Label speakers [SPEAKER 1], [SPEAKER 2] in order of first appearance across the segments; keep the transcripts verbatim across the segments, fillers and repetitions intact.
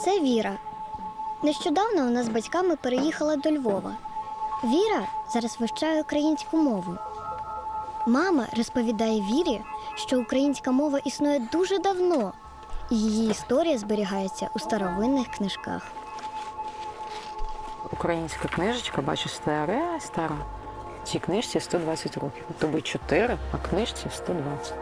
[SPEAKER 1] Це Віра. Нещодавно вона з батьками переїхала до Львова. Віра зараз вивчає українську мову. Мама розповідає Вірі, що українська мова існує дуже давно, і її історія зберігається у старовинних книжках.
[SPEAKER 2] Українська книжечка, бачиш, стара, стара. Цій книжці сто двадцять років. Тобі чотири, а книжці сто двадцять.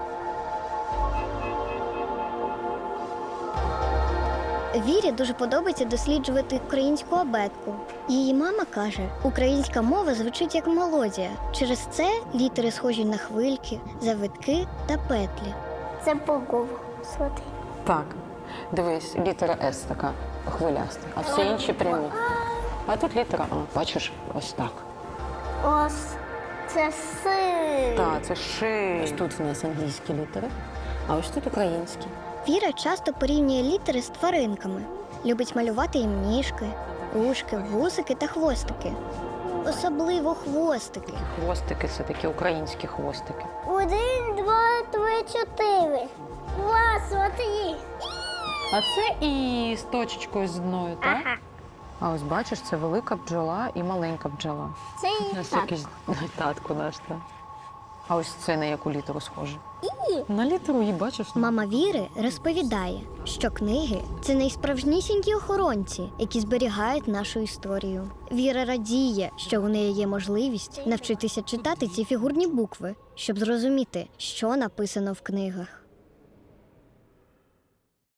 [SPEAKER 1] Вірі дуже подобається досліджувати українську абетку. Її мама каже, українська мова звучить як мелодія. Через це літери схожі на хвильки, завитки та петлі.
[SPEAKER 3] Це буква. Смотри.
[SPEAKER 2] Так, дивись, літера С така хвиляста, а всі інші прямі. А тут літера А, бачиш, ось так.
[SPEAKER 3] Ось це си.
[SPEAKER 2] Так, це ши. Ось тут в нас англійські літери, а ось тут українські.
[SPEAKER 1] Віра часто порівнює літери з тваринками. Любить малювати їм ніжки, ушки, вусики та хвостики. Особливо хвостики.
[SPEAKER 2] Хвостики – це такі українські хвостики.
[SPEAKER 3] Один, два, три, чотири. Два, смотри.
[SPEAKER 2] А це і з точечкою з одною, так?
[SPEAKER 3] Ага.
[SPEAKER 2] А ось бачиш, це велика бджола і маленька бджола.
[SPEAKER 3] Це
[SPEAKER 2] Ось
[SPEAKER 3] так.
[SPEAKER 2] якийсь татко наш, так. А ось це на яку літеру схоже?
[SPEAKER 3] І.
[SPEAKER 2] На літеру І, бачиш?
[SPEAKER 1] Мама Віри розповідає, що книги – це найсправжнісінькі охоронці, які зберігають нашу історію. Віра радіє, що у неї є можливість навчитися читати ці фігурні букви, щоб зрозуміти, що написано в книгах.